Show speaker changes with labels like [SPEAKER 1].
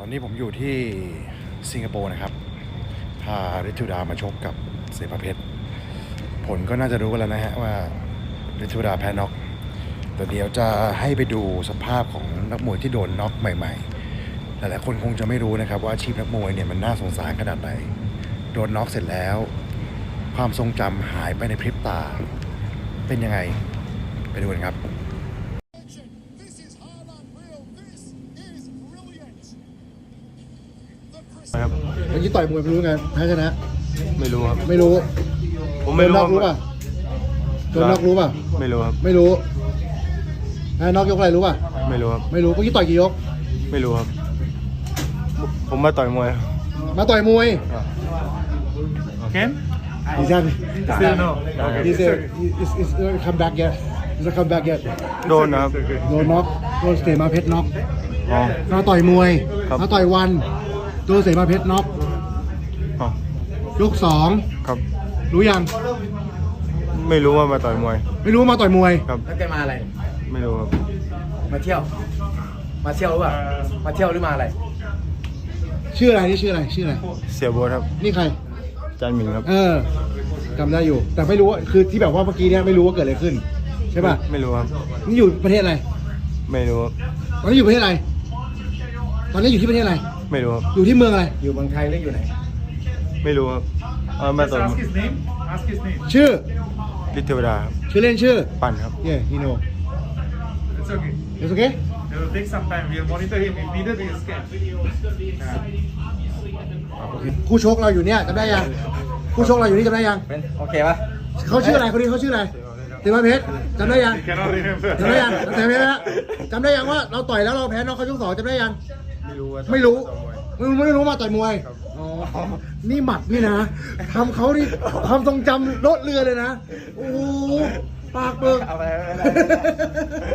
[SPEAKER 1] อนนี้ผมอยู่ที่สิงคโปร์นะครับพาฤทธิ์ธิวดามาชกกับเสภาเพชรผลก็น่าจะรู้กันแล้วนะฮะว่าฤทธิ์ธิวดาแพ้น็อกแต่เดี๋ยวจะให้ไปดูสภาพของนักมวยที่โดนน็อกใหม่ๆหลายๆคนคงจะไม่รู้นะครับว่าอาชีพนักมวยเนี่ยมันน่าสงสารขนาดไหนโดนน็อกเสร็จแล้วความทรงจำหายไปในพริบตาเป็นยังไงไปดูกันครับ
[SPEAKER 2] ครับ
[SPEAKER 1] เมื่อกี้ต่อยมวยไม่รู้ไงแพ้ชนะ
[SPEAKER 2] ไม่รู้ครับ
[SPEAKER 1] ไม่รู้
[SPEAKER 2] ผมไม่รู้
[SPEAKER 1] โดนน็อกรู้ป่ะโดนน็อกรู้ป่ะ
[SPEAKER 2] ไม่รู้ครับ
[SPEAKER 1] ไม่รู้แพ้น็อกยกอะไรรู้ป่ะ
[SPEAKER 2] ไม่รู้ครับ
[SPEAKER 1] ไม่รู้เมื่อกี้ต่อยกี่ยก
[SPEAKER 2] ไม่รู้ครับ ผมมาต่อยมวย
[SPEAKER 1] มาต่อยมวย
[SPEAKER 2] Ken?
[SPEAKER 1] ดีจัง
[SPEAKER 2] Still no.
[SPEAKER 1] He's come back yet He's come back yet
[SPEAKER 2] โดนนะครับ
[SPEAKER 1] โดนน็อกโดนเสมาเพชรน็อก
[SPEAKER 2] อ๋อ
[SPEAKER 1] มาต่อยมวย
[SPEAKER 2] ครับ
[SPEAKER 1] มาต่อยวันโดนเสมาเพชรน็อก
[SPEAKER 2] อ๋อย
[SPEAKER 1] กสอง
[SPEAKER 2] ครับ
[SPEAKER 1] รู้ยัง
[SPEAKER 2] ไม่รู้ว่ามาต่อยมวย
[SPEAKER 1] ไม่รู้ว่ามาต่อยมวย
[SPEAKER 2] ครับ
[SPEAKER 3] แล้วแกมาอะไร
[SPEAKER 2] ไม่รู้ครับ
[SPEAKER 3] มาเที่ยว มาเที่ยวหรือเปล่า มาเที่ยวหรือมาอะไร
[SPEAKER 1] ชื่ออะไรนี่ชื่ออะไรชื่ออะไร
[SPEAKER 2] เสียโบทครับ
[SPEAKER 1] นี่ใคร
[SPEAKER 2] จานหมิงครับ
[SPEAKER 1] จำได้อยู่ แต่ไม่รู้ว่าคือที่แบบว่าเมื่อกี้เนี่ยไม่รู้ว่าเกิดอะไรขึ้นใช่ป่ะ
[SPEAKER 2] ไม่รู้ครับ
[SPEAKER 1] นี่อยู่ประเทศอะไร
[SPEAKER 2] ไม่รู้ครับ
[SPEAKER 1] ตอนนี้อยู่ประเทศอะไร ตอนนี้อยู่ที่ประเทศอะไร
[SPEAKER 2] ไม่รู้ครับ
[SPEAKER 1] อยู่ที่เมืองอะไร
[SPEAKER 3] อยู่เมืองไทยหรืออยู่ไหน
[SPEAKER 2] ไม่รู้ครับมาต่อยมวย
[SPEAKER 4] Ask his name. Ask his name.
[SPEAKER 1] ชื่อ
[SPEAKER 2] ฤทธิ์เทวดาครับ
[SPEAKER 1] ชื่อเล่นชื่อ
[SPEAKER 2] ปั่นครับ
[SPEAKER 1] he know
[SPEAKER 4] It's okay.
[SPEAKER 1] it's okay
[SPEAKER 4] It will take some time. We'll monitor him. If needed, we'll scan.
[SPEAKER 1] คู่ชกเราอยู่เนี่ยจำได้ยังคู่ชกเราอยู่นี่จำได้ยัง
[SPEAKER 3] เป็นโอเคปะ
[SPEAKER 1] เขาชื่ออะไรคนนี้เขาชื่ออะไรเสมาเพชรจำได้ยัง
[SPEAKER 4] Cannot remember.
[SPEAKER 1] จำได้ยังแต่เพชรนะจำได้ยังว่าเราต่อยแล้วเราแพ้น็อกเขายกสองจำได้ยัง
[SPEAKER 2] ไม่รู้ว่า
[SPEAKER 1] ไม่รู้
[SPEAKER 2] ต่อยมวย
[SPEAKER 1] ไม่รู้มาต่อยมวยอ๋อนี่หมัดนี่นะทำเขานี่ความทรงจำลดเรือเลยนะโอ้โหปากเบิก
[SPEAKER 3] เอาไป